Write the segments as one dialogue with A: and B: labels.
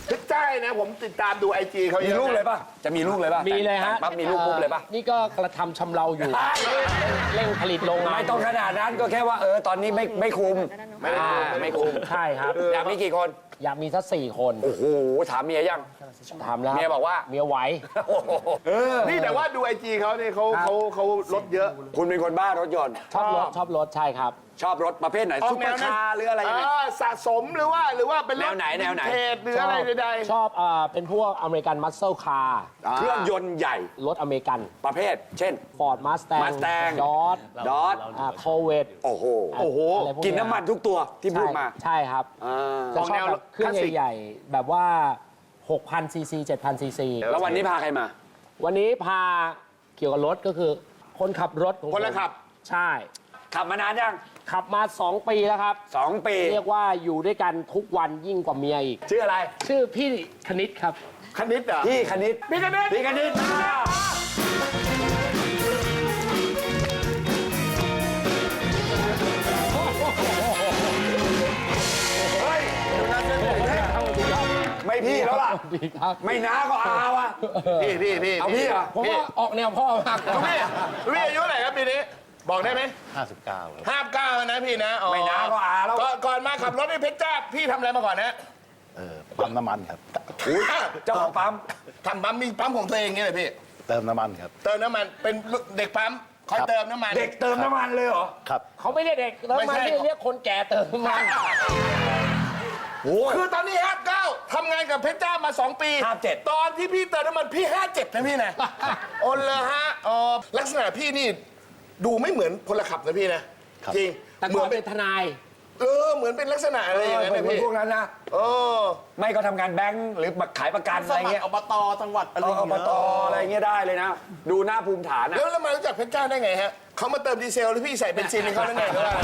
A: เพชรจ้านะผมติดตามดูIGเขามี
B: ลูกเลยป่ะจะมีลูกเลยป่ะ
C: มีเลยฮะ
B: ปั๊บมีลูกปุ๊บเลยป่ะ
C: นี่ก็กระทำชำเราอยู่ เร่งผลิตโรงงาน
B: ไม่ต้องขนาดนั้นก็แค่ว่าตอนนี้ไม่คุมไม่คุม
C: ใช่ครับ
B: อยากมีกี่คน
C: อยากมีสัก4 คน
B: โอ้โหถามเมียยัง
C: ถามแล้ว
B: เมียบอกว่า
C: เมียไหว
A: นี่แต่ว่าดูIGเขาเนี่ยเขาลดเยอะ
B: คุณเป็นคนบ้ารถยนต์
C: ชอบรถใช่ครับ
B: ชอบรถประเภทไหนซุปเปอร์คาร์หรืออะไรยังไง
A: สะสมหรือว่าเป็นรถ
B: แนวไหน
A: เทรดหรืออะไรใด
C: ชอบเป็นพวกอเมริกันมัสเซลคาร์
B: เครื่องยนต์ใหญ่
C: รถอเมริกัน
B: ประเภท เช่น
C: ฟอร์ดมาสแตง
B: Mustang
C: ดอท
B: ดอท
C: โคเวต
B: โอ้โห
C: อะไรพว
B: กินน้ำมันทุกตัวที่พูดมา
C: ใช่ครับ จะชอบแบบเครื่องใหญ่ๆ แบบว่า 6,000 ซีซี 7,000 ซีซี
B: แล้ววันนี้พาใครมา
C: วันนี้พาเกี่ยวกับรถก็คือคนขับรถของผม
A: คนละขับ
C: ใช่
B: ขับมานานยัง
C: ขับมา 2 ปีแล้วครับ
B: 2 ปี
C: เรียกว่าอยู่ด้วยกันทุกวันยิ่งกว่าเมียอีก
B: ชื่ออะไร
C: ชื่อพี่คณิตครับ
A: ๆคณิตเหรอ
B: พี่คณิต
A: พี่คณิต
B: พี่คณิตเฮ้ยไม่พี่แล้วล่ะ
C: ดีครับ
B: ไม่น้าก็อาวะ
A: พี่
B: เอาพี่เหรอ
C: ผมว่าออกแนวพ่อมาก
A: พี่อายุเท่าไหร่ครับปีนี้บอกได้ไหม
D: 59 ครับ
A: 59นะพี่นะอ๋อ
B: ไม่น้าก็อาแล้ว
A: ก่อนมาขับรถในเพชรจ้าพี่ทำอะไรมาก่อนนะ
D: ปั๊มน้ำมันครับ
B: เจ้าของปั๊ม
A: ทำปั๊มมีปั๊มของตัวเองไงเลยพี่
D: เติมน้ำมันครับ
A: เติมน้ำมันเป็นเด็กปั๊มคอย
D: ครับ
A: เติมน้ำมัน
B: เด็กเติมน้ำมันเลยเหรอ
D: ครับ
C: เขาไม่เรียกเด็กเติม
A: ไม่
C: มา
A: ใช่
C: เรียกคนแก่เติมมา
A: คือตอนนี้59ทำงานกับเพชรจ้ามา 2 ปี
B: 57
A: ตอนที่พี่เติมน้ำมันพี่ 57นะพี่นะโอนเลยฮะลักษณะพี่นี่ดูไม่เหมือนพลขับนะพี่นะครับ จริง
C: แต่
A: เหมื
C: ก่อ
A: อน น
C: เป็
A: เป็น น
C: ทนาย
A: เหมือนเป็นลักษณะอะไรอย่างนั้นนะ
B: เป็น
A: พี่
B: พวกนั้นนะ
A: เออ
B: ไม่ก็ทำงานแบงค์หรือขายประกันอะไรเงี้ย
A: อบตจังหวัดอะไร
B: อบตอะไรเงี้ยได้เลยนะ ดูหน้าภูมิฐานนะ
A: แล้วมารู้จักเพชรจ้าได้ไงฮะเขามาเติมดีเซลหรือพี่ใส่เบนซินให้เขาได้ไงหรือว่า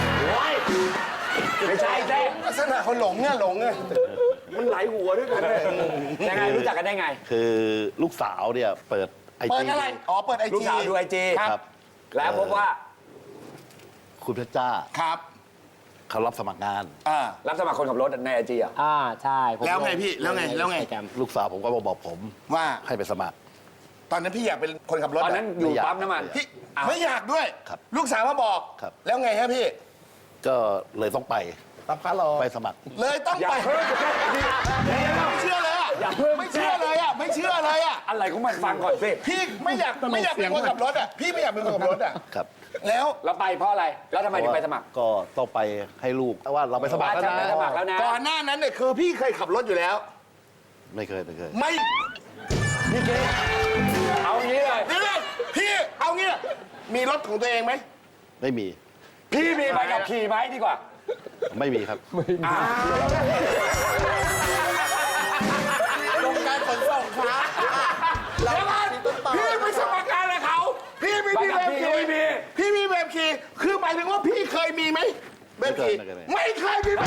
B: ไม่ใช่แท้
A: ลักษณะเขาหลงเนี่ย
B: มันไหลหัวด้วยกันเลยยังไงรู้จักกันได้ไง
D: คือลูกสาวเนี่ยเปิดไอ
A: เปิด
D: จี
A: อะไรอ๋อเปิดไอ
B: ลูก
A: จี
B: สาวดูไอจี
A: ครับ
B: แล้วพบว่า
D: คุณเพชรจ้า
A: ครับ
D: เขารับสมัครงาน
B: รับสมัครคนขับรถในไอจีอ่ะ
C: ใช่ผม
A: แล้วไงพี่แล้วไง
C: Instagram
D: ลูกสาวผมก็บอกผม
A: ว่า
D: ให้ไปสมัคร
A: ตอนนั้นพี่อยากเป็นคนขับรถ
B: ตอนนั้นอยู่ปั๊มน้ำมัน
A: พี่ไม่อยากด้วย
D: ครับ
A: ลูกสาวมาบอก
D: ครับ
A: แล้วไงฮะพี่
D: ก็เลยต้องไปไปสมัคร
A: เลยต้อง
B: อย่า
A: ไป
B: เพิ่ง
A: ไม่เชื่อเลยอ่ะ
B: อย่าเพิ่ง
A: ไม่เชื่อเลยอ่ะไม่เชื่อเลยอ่ะ
B: อะไรของมันฟังก่อนสิ
A: พี่ไม่อยากเป็นคนขับรถอ่ะพี่ไม่อยากเป็นคนขับรถอ่ะ
D: ครับ
A: แล้ว
B: แล้วไปเพราะอะไร แล้วทำไมถึงไปสมัคร
D: ก็ต้องไปให้ลูกว่าเราไปสมัคร
B: ว่า
D: แล้ว
B: ฉันไป
D: นะ
B: สมัครแล้วนะ
A: ก่อนหน้านั้นเนี่ยคือพี่เคยขับรถอยู่แล้ว
D: ไม่เคย
A: ไม่
B: นี่เจ๊เอางี้เลย
A: เดี๋ยวพี่เอางี้มีรถของตัวเองไหม
D: ไม่มี
B: พี่มีใบขับขี่ไหมดีกว่า
D: ไม่มีครับ
A: โรงการขนส่งค้าแล้วพี่ไปสมัครงานอะไรเขาพี่ไม่มี
B: ใบขับ
A: แบบ
B: ขี่
A: ขี่
B: ไม่มี
A: พี่มีแบบขี่คือหมายถึงว่าพี่เคยมีไหมแบบขี่
D: ไม่เคย
A: ไม่เคยมีแบบ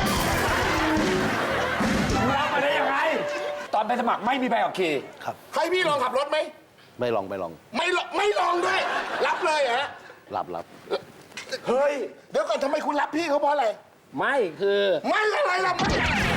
B: รับมาได้ยังไง ตอนไปสมัครไม่มีใบขับขี่
D: ครับ
A: ให้พี่ลองขับรถไหม
D: ไม่ลอง
A: ไม่ลองด้วย รับเลยเหรอฮะ
D: รับ
B: เฮ้ย
A: เดี๋ยวก่อนทำไมคุณรับพี่เขาเพราะอะไร
C: ไม่คือ
A: ไม่อะไรล่ะไม่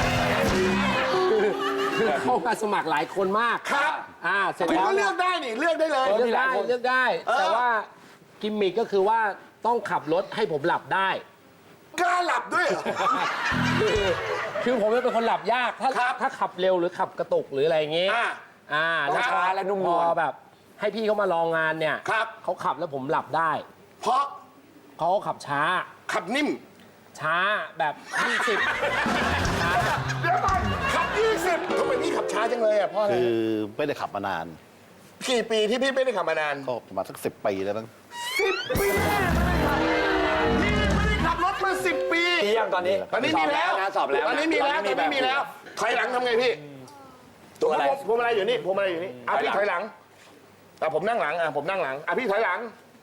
C: เข้ามาสมัครหลายคนมาก
A: ครับ
C: เสร็จ
A: คุณ
C: แล้ว
A: ก็เลือกได้นี่เลือกได้เลย
C: เลือกได้เลือกได้ แต่ว่ากิมมิกก็คือว่าต้องขับรถให้ผมหลับได้
A: กล้าหลับด้วยเหรอ
C: คือผมเป็นคนหลับยากถ้าขับเร็วหรือขับกระตุกหรืออะไรอย่างงี้
B: ต้องช้าและนุ่มนวล
C: พอแบบ ให้พี่เขามาลองงานเนี่ย
A: ครับ
C: เขาขับแล้วผมหลับได้
A: เพราะ
C: เขาขับช้า
A: ขับนิ่ม
C: ช้าแบบ20ช้า
A: เดี๋ยวก่อนขับ20ทำไมพี่ขับช้าจังเลยอ่ะเพราะอะไร
D: คือไม่ได้ขับมานาน
A: กี่ปีที่พี่ไม่ได้ขับมานาน
D: ก็ประมาณสัก10 ปีแล้วมั้ง
A: 10 ปีพี่ไม่ได้ขับรถมา10 ปี
B: มียังตอนนี้
A: ตอนนี้มีแล้ว
B: นะสอบแล้ว
A: ตอนนี้มีแล้วตอนนี้มีแล้วถอยหลังทำไงพี่
B: ตัวอะไร
A: พวงมาลัยอยู่นี่พวงมาลัยอยู่นี่พี่ถอยหลังผมนั่งหลังผมนั่งหลังพี่ถอยหลัง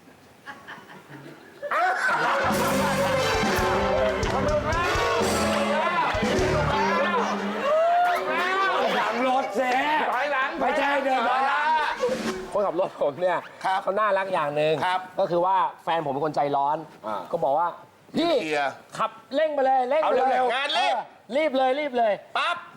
B: หลังรถเสี
A: ถอยหลัง
B: ไม่ใช่เดินถอยหลัง
C: คนขับรถผมเนี่ย
A: ครับ
C: เขาน่ารักอย่างหนึ่ง
A: ครับ
C: ก็คือว่าแฟนผมเป็นคนใจร้อน ก็บอกว่าพี่
A: เคลียร์
C: ขับเร่งไปเลยเร่งไปเลย
A: เอาเร็วๆงานรีบ
C: รีบเลย
A: ปั๊บ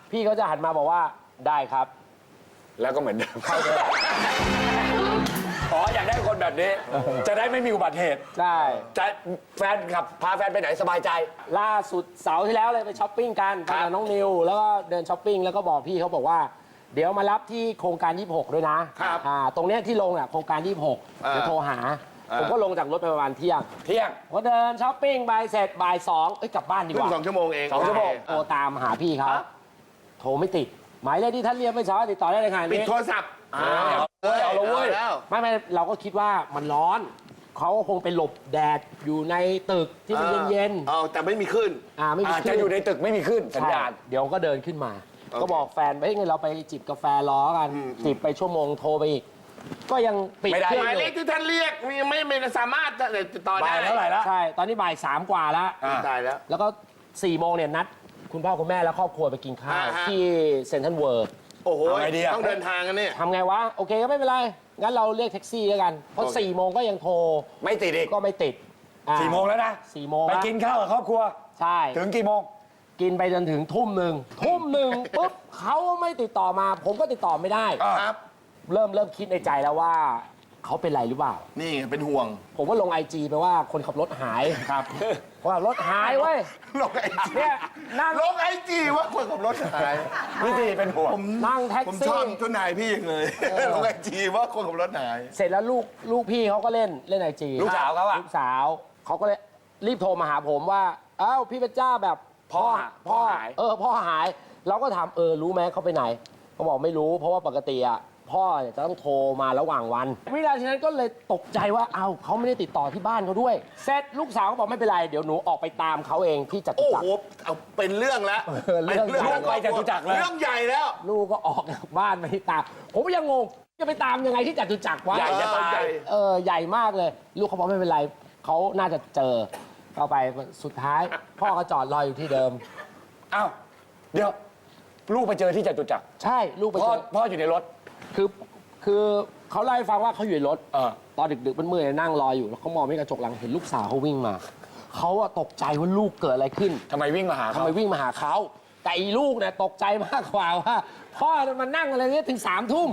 C: พี่เขาจะหันมาบอกว่าได้ครับ
B: แล้วก็เหมือนเดิมเข้าเลยอ๋ออยากได้คนแบบนี้ จะได้ไม่มีอุบัติเหตุ
C: ใช่
B: จะแฟนขับพาแฟนไปไหนสบายใจ
C: ล่าสุดเสาร์ที่แล้วเลยไปช้อปปิ้งกันไปกับน้องนิว แล้วก็เดินช้อปปิ้งแล้วก็บอกพี่เขาบอกว่า เดี๋ยวมารับที่โครงการ 26 ด้วยนะครับ ตรงเนี้ยที่ลงอ่ะโครงการ 26เดี๋ยวโทรหา ผมก็ลงจากรถไปประมาณเที่ยง พอเดินช้อปปิ้งไปเสร็จบ่าย2เอ้ยกลับบ้านดีก
A: เพิ่ง
C: ว่า
A: 2 ชั่วโมงเอง
B: 2 ชั่วโมง
C: โทรตามหาพี่เขาโทรไม่ติด หมายเลขที่ท่านเรียกไม่สามารถติดต่อได้เลยค่ะ
A: ปิด
C: นี่
A: โทรศัพท์
B: เอาละเว้ย
A: แล้ว
C: ไม่เราก็คิดว่ามันร้อน เขาคงไปหลบแดดอยู่ในตึกที่มันเย็น
A: เอาแต่ไม่มีขึ้น
C: ๆไม่มี
B: อาจ
C: คลื่
B: จะอยู่ในตึกไม่มีขึ้นสัญญาณ
C: ใช่เดี๋ยวก็เดินขึ้นมา
A: โอเค
C: ก็บอกแฟนไปเฮ้ยงั้นเราไปจิบกาแฟล้อกัน จิบไปชั่วโมงโทรไปอีก ก็ยังปิด
B: ไม่ได้
C: เครื่อง
A: หมาย
C: อ
A: เลข
C: ยู่
A: ที่ท่านเรียกไม่สามารถติดต่อได้
B: บ่ายเท่าไหร่ละ
C: ใช่ ตอนนี้บ่าย3 กว่าแล้ว
A: ตายแล้ว
C: แล้วก็4 โมงเนี่ยนัด คุณพ่อคุณแม่และครอบครัวไปกินข้าว
A: อ่าฮะ
C: ที่เซ็นทรัลเวิลด์
A: โอ้โห
B: เอาไงดีอะ
A: ต้องเดินทางกันเนี่ย
C: ทำไงวะ โอเคก็ไม่เป็นไร งั้นเราเรียกแท็กซี่แล้วกัน เพราะ
A: โอเค
C: 4 โมงก็ยังโทร
B: ไม่ติดอีก
C: ก็ไม่ติด
B: 4 โมงแล้วนะ
C: 4 โมง
B: ไป
C: แล้ว
B: กินข้าวกับครอบครัว
C: ใช่
B: ถึงกี่โมง
C: กินไปจนถึงทุ่มหนึ่งปุ๊บเขาไม่ติดต่อมา ผมก็ติดต่อไม่ได้
A: ครับ
C: เริ่มคิดในใจแล้วว่าเขาเป็นไรหรือเปล่า
A: นี่ไงเป็นห่วง
C: ผมก็ลงไอจีไปว่าคนขับรถหายครับว่ารถหายเว้ย
A: ลงไอจี
C: เนี่ยนั่ง
A: ลงไอจีว่าคนขับรถหาย
B: พี่ตีเป็นห่วง
C: นั่งแท็ก
A: ผมช
C: ซี่
A: อบเจ้านายพี่ยังเลย ลงไอจีว่าคนขับรถหาย
C: เสร็จแล้วลูกพี่เขาก็เล่นไอจี
B: ลูกสาวเขาอะ
C: ลูกสาวเขาก็เลยรีบโทรมาหาผมว่าเอ้าพี่เพชรจ้าแบบ
B: พ่อหาย
C: พ่อหาย เราก็ถามรู้ไหมเขาไปไหนเขาบอกไม่รู้เพราะว่าปกติอ่ะพ่อเนี่ยจะต้องโทรมาระหว่างวันวินาทีนั้นก็เลยตกใจว่าเอ้าเขาไม่ได้ติดต่อที่บ้านเขาด้วยเสร็จลูกสาวก็บอกไม่เป็นไรเดี๋ยวหนูออกไปตามเขาเองที่จตุ
A: โอ้
C: จัก
A: โห
C: ร
A: เอาเป็นเรื่องแล้ว
C: เรื่องใหญ่
A: เป็น
B: ไปจตุจักรเลย
A: เรื่องใหญ่แล้ว
C: ลูกก็ออกจากบ้านไปตามผมก็ยังงงจะไปตามยังไงที่จตุจักรวะ
B: ใหญ่จะตาย
C: ใหญ่มากเลย ลูกเขาบอกไม่เป็นไรเขาน่าจะเจอเข้าไปสุดท้าย พ่อก็จอดรออยู่ที่เดิม
B: อ้าวเดี๋ยวลูกไปเจอที่จตุจักร
C: ใช่ลูกไป
B: พ่อ
C: เจอ
B: พ่ออยู่ในรถ
C: คือเขาเล่าให้ฟังว่าเขาอยู่ในรถ
B: เออ
C: ตอนดึกๆมืดๆนั่งรออยู่แล้วเขามองไม่กระจกหลังเห็นลูกสาวเขาวิ่งมาเขาอะตกใจว่าลูกเกิดอะไรขึ้น
B: ทำไมวิ่งมาหา
C: ทำ
B: เขา
C: ไมวิ่งมาหาเขาแต่อีลูกเนี่ยตกใจมากกว่าว่าพ่อมันนั่งอะไรเนี่ยถึง3 ทุ่ม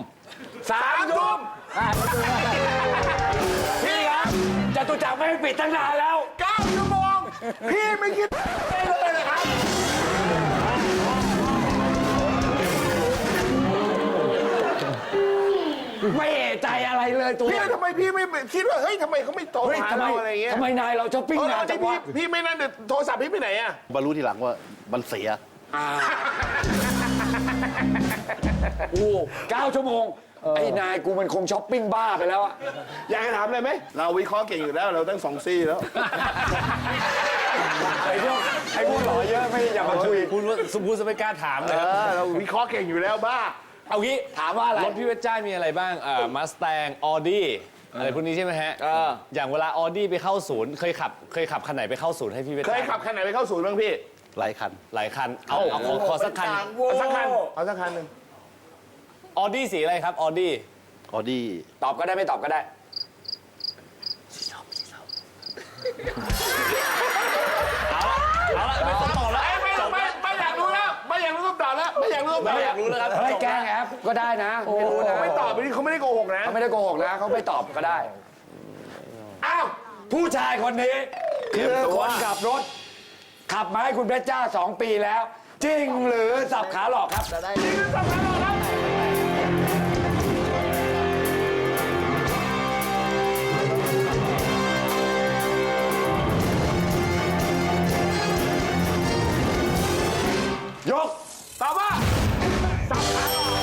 B: 3 ทุ่มพี่ครับจตุจักรไม่ให้ปิดตั้งนานแล้ว
A: 9 ชั่วโมง พี่ไม่คิดได้เลยนะครับ
B: ไม่เอะใจอะไรเลยตัว
A: พี่ทำไมพี่ไม่คิดว่า เฮ้ยทำไมเขาไม่โทร
B: เฮ้ย
A: หา
B: ทำไม
A: เราอะไรเงี้ย
B: ทำไมนายเราช้อปปิ้งนานจังวะ
A: พี่ไม่นั่นเดี๋ยวโทรศัพท์พี่ไปไหนอะ
D: มารู้ทีหลังว่ามันเสีย
B: โอ้9 ชั่วโมง ไอ้นายกูมันคงช้อปปิ้งบ้าไปแล้วอะ
A: อยากจะถามอะไรไหม เราวิเคราะห์เก่งอยู่แล้ว เราตั้ง2 ซี่แล้ว
B: ไอ้พวกหล่อเยอะไม่อย่ามาคุย
E: พูดว่าสมพูดจะไม่กล้าถามเลยครับ
A: เราวิเคราะห์เก่งอยู่แล้วบ้า
B: เอางี้ถามว่าอะไร
E: รถพี่เพชรจ้ามีอะไรบ้างมาส t ต n งออดี้อะไรพวกนี้ใช่ไหมฮะ อย่างเวลาออดี้ไปเข้าศูนย์เคยขับคันไหนไปเข้าศูนย์ให้พี่เพชร
A: เค
E: จ้าย
A: ขับคันไหนไปเข้าศูนย์บ้างพี่
D: หลายคัน
E: หลายคัน เอาขอสักคัน
A: เอาสักคัน เอาสักคันหนึ่ง
E: ออดี้สีอะไรครับออดี้
D: ออดี้
B: ตอบก็ได้ไม่ตอบก็ได้
E: เอาละไม่ต้องตอบแล้ว
A: ไม่อยากรู้แล้ว ไม่อยากรู้คำตอบแล้ว ไม่อยากรู้คำตอบ
E: ไม่อยากรู้แล้วครับ
B: เฮ้ยแกล้งแอปก็ได้นะ ไม่รู้นะ
A: ไม่ตอบไปนี่เขาไม่ได้โกหกนะ
B: เขาไม่ได้โกหกนะเขาไม่ตอบก็ได้
A: อ้าว
B: ผู้ชายคนนี้คือคนขับรถ ขับมาให้คุณเพชรจ้า2 ปีแล้ว จริงหรือสับขาหลอกครับ ยก
A: ตอบว่าสับขาหลอก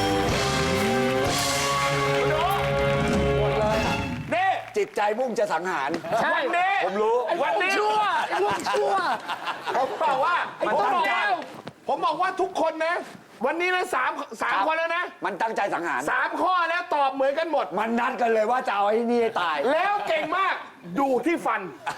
A: คุณโดนี่
B: จิตใจมุ่งจะสังหาร
C: ใช่
A: วันนี้
B: ผมรู้
A: วันนี้
C: ชั่ว
A: ผมบอกว่า
B: มัน
A: ผม
B: ตั้ง
A: บอก
B: ใจ
A: ว่าผมบอกว่าทุกคนนะ วันนี้นะสามคนแล้วนะ
B: มันตั้งใจสังหาร
A: 3 ข้อแล้วตอบเหมือนกันหมด
B: มันนัดกันเลยว่าจะเอาไอ้นี่ให้ตาย
A: แล้วเก่งมากดูที่ฟัน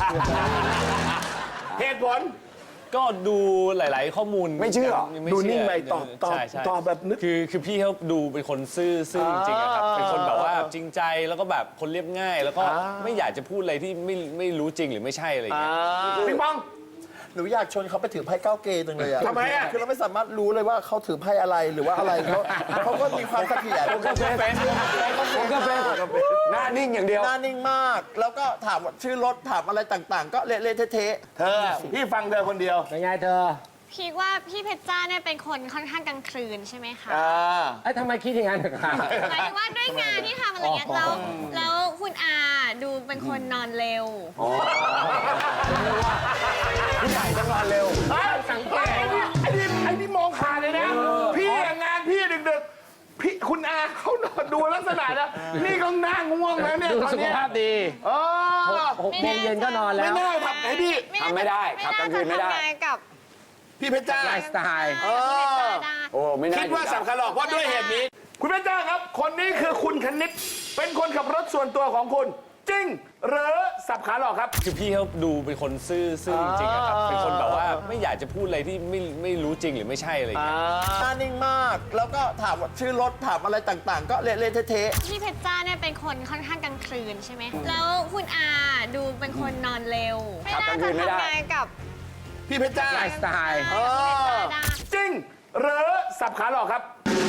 A: เหตุผล
E: ก็ดูหลาย ๆ ข้อมูล
B: ไม่เชื่อ
E: ไม่
A: ดู
E: เชื่
A: นิ่งไปตอบ
E: ใช่ใช่
A: ตอบแบบนึก
E: คือพี่เขาดูเป็นคนซื่อจริงๆอะครับเป็นคนแบบว่าจริงใจแล้วก็แบบคนเรียบง่าย แล้วก็ไม่อยากจะพูดอะไรที่ไม่รู้จริงหรือไม่ใช่อะไรอย่างเงี้ย
A: ปิงปอง
F: หนูอยากชวนเขาไปถือไพ่ก้าวเกย์จังเลยอะ
A: ทำไมอะ
F: คือเราไม่สามารถรู้เลยว่าเขาถือไพ่อะไรหรือว่าอะไรเขาก็มีความเสถียร
B: ผมก็เป็นหน้านิ่งอย่างเดียว
F: หน้านิ่งมาก แล้วก็ถามว่าชื่อรถถามอะไรต่างๆ ก็เละๆเทะ
A: เธอพี่ฟังเธอคนเดียว
C: เป็นไงเธอ
G: คิดว่าพี่เพชรจ้าเนี่ยเป็นคนค่อนข้างกลางคืนใช่ไหมคะ
C: ไอ้ยทำไมคิดอย่างนั้นคะ
G: หมายถึงว่าด้วยงานที่ทำอะไรเงี้ยแล้วคุณอาดูเป็นคนนอนเร็ว
B: ผู้ใหญ่ต้องนอนเร็ว
C: สังเกต
A: ไอ้นี่มองขาดเลยนะ พี่อะงานพี่ดึกๆพี่คุณอาเขานอนดูลักษณะนะนี่ก็นั่งง่วงแล้วเนี่ย
C: ดู
A: ตอน
C: สุข
A: เนี้ย
C: ภาพดี
A: เออ
C: 6 โมงเย็นก็นอนแล้
A: ไม่
C: ว
A: น่าทำไอ้พี่
B: ทำไม่ได้ขับกลางคืนไม่ได้
G: น่าจะทำงานกับ
A: พี่เพชรจ้า
C: ไลฟ์สไตล์
G: พี่เพชรจ้าได้
B: โอ้ไม่น่า
A: คิดว่าสับขาหลอกเพราะด้วยเหตุนี้ คุณเพชรจ้าครับ คนนี้คือคุณคณิตเป็นคนขับรถส่วนตัวของคุณ จริง หรือสับขาหลอกครับ
E: คือพี่เขาดูเป็นคนซื่อจริงๆอะครับเป็นคนแบบว่าไม่อยากจะพูดอะไรที่ไม่รู้จริงหรือไม่ใช่อะไรอย่างเงี้ย
F: ๆหน้านิ่งมาก แล้วก็ถามว่าชื่อรถถามอะไรต่างๆ ก็เละๆเทะๆ
G: พี่เพชรจ้าเนี่ยเป็นคนค่อนข้างกลางคืนใช่ไหมแล้วคุณอาดูเป็นคนนอนเร็ว
B: ขับกลางคืนไม่ได้
G: น่าจะทำงานกับ
A: พี่เพชรจ้า
C: ไลฟ์สไตล์
G: พี่เพชรจ้าได้
A: จริง หรือสับขาหลอกครับ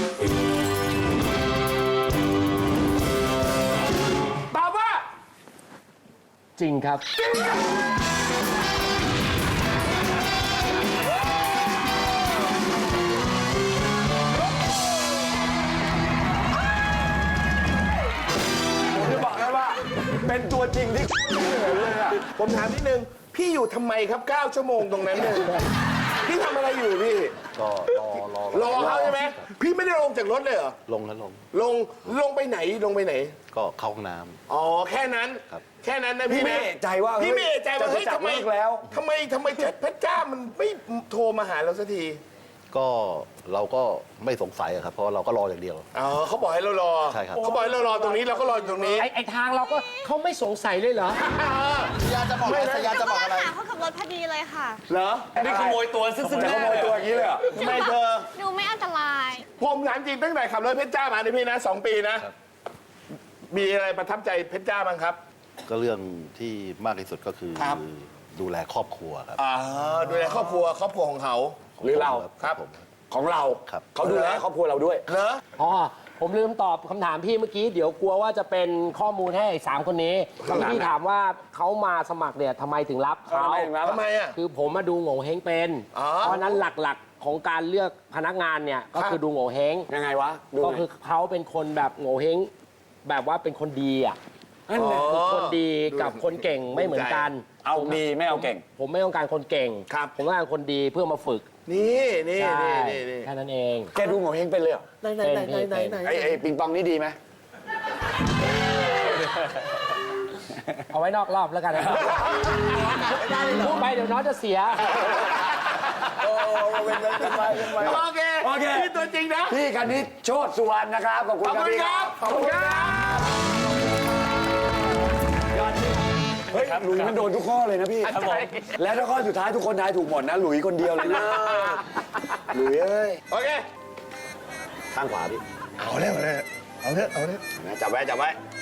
A: ตอบว่า
C: จริงครับ
B: ผมจะบอกนะว่า เป็นตัวจริงที่เลยอะ
A: ผมถามนิดนึง พี่อยู่ทำไมครับ 9 ชั่วโมงตรงนั้นเนี่ยพี่ทำอะไรอยู่พี่
D: ก็รอ
A: รอเขาใช่ไหม พี่ไม่ได้ลงจากรถเลยเหรอ
D: ลงแล้วลง
A: ลงไปไหน ลงไปไหน
D: ก็เข้าห้องน้
A: อ๋อ แค่นั้น
D: ครับ
A: แค่นั้นนะพี่
B: พี่ไม่
A: นะ
B: เอะใจว่า
A: พี่ไม่เอะใจว่า
B: จะ
A: เฮ้ย
B: จับ
A: ทำไม
B: เลิกแล้ว
A: ทำไมเพชรจ้ามันไม่โทรมาหาเราสักที
D: ำก็เราก็ไม่สงสัยอะครับ เพราะเราก็รออย่างเดียว
A: อ๋อเขาบอกให้เรารอ
D: ใช่ครับ
A: เขาบอกให้เรารอตรงนี้เราก็รออยู่ตรงนี้
C: ไอ้ทางเราก็เขาไม่สงสัยเลยเหรอ
F: สยาจะบอกอะไรสยาจะบอกอะไร
G: หาเขาขับรถพอดีเลยค่ะ
A: เหรอ
E: นี่ขโมยตัวซึ่ง
B: จะขโมยตัวอย่างนี้เลยเหรอ
A: ทำไมเธอ
G: ดูไม่อันตราย
A: ผมถามจริงตั้งแต่ขับรถเพชรจ้ามาในยพี่นะ 2 ปีนะ มีอะไรประทับใจเพชรจ้าบ้างครับ
D: ก็เรื่องที่มากที่สุดก็คือ
A: ครับ
D: ดูแลครอบครัวครับ
A: ดูแลครอบครัวของเขา
B: หรือเรา
A: ครับ
D: ผม
B: ของเรา
D: ครับ
B: เขาดูแลครอบครัวเราด้วย
A: เหรอ
C: อ๋อ ผมลืมตอบคำถามพี่เมื่อกี้ เดี๋ยวกลัวว่าจะเป็นข้อมูลให้ไอ้3 คนนี้ที่พี่ถามว่าเขามาสมัครเนี่ยทำไมถึงรับเขา
A: ทำไมอ่ะ
C: คือผมมาดูโง่เฮงเป็น
A: อ๋อ
C: เพราะฉะนั้นหลักๆของการเลือกพนักงานเนี่ยก็คือดูโง่เฮง
B: ยังไงวะ ดู
C: ก็
B: ไง
C: คือเขาเป็นคนแบบโง่เฮงแบบว่าเป็นคนดีอ่ะ
B: นั่นแหละ
C: คือคนดีกับคนเก่งไม่เหมือนกัน
B: เอาดีไม่เอาเก่ง
C: ผมไม่ต้องการคนเก่ง
A: ครับ
C: ผมต้องการคนดีเพื่อมาฝึก
A: นี่นี่
C: ใช่
A: นี่
C: แค่นั้นเอง
B: แกดูโง่เฮงเป็นเลยเหรอ
C: เป็น
B: ไอ้ปิงปองนี่ดีไหม
C: เอาไว้นอกรอบแล้วกันนะพูดไปเดี๋ยวน้องจะเสีย
A: โอเค
B: โอเค
A: นี่ตัวจริงนะ
B: พี่คณิตโชติสุวรรณนะครับ ขอบคุณ
A: ขอบ
B: ครับ
A: คุณ
B: พี่
A: ครับ ขอบคุณครับ
B: เฮ้ยหลุยมันโดนทุกข้อเลยนะพี่
A: ครับผม
B: และถ้าข้อสุดท้ายทุกคนทายถูกหมดนะ หลุยคนเดียวเลยนะ หลุยเอ้ย
A: โอเค
B: ข้างขวาพี่
A: เอาเร็วเลยเอาเถอะ
B: จับไว้จับไว้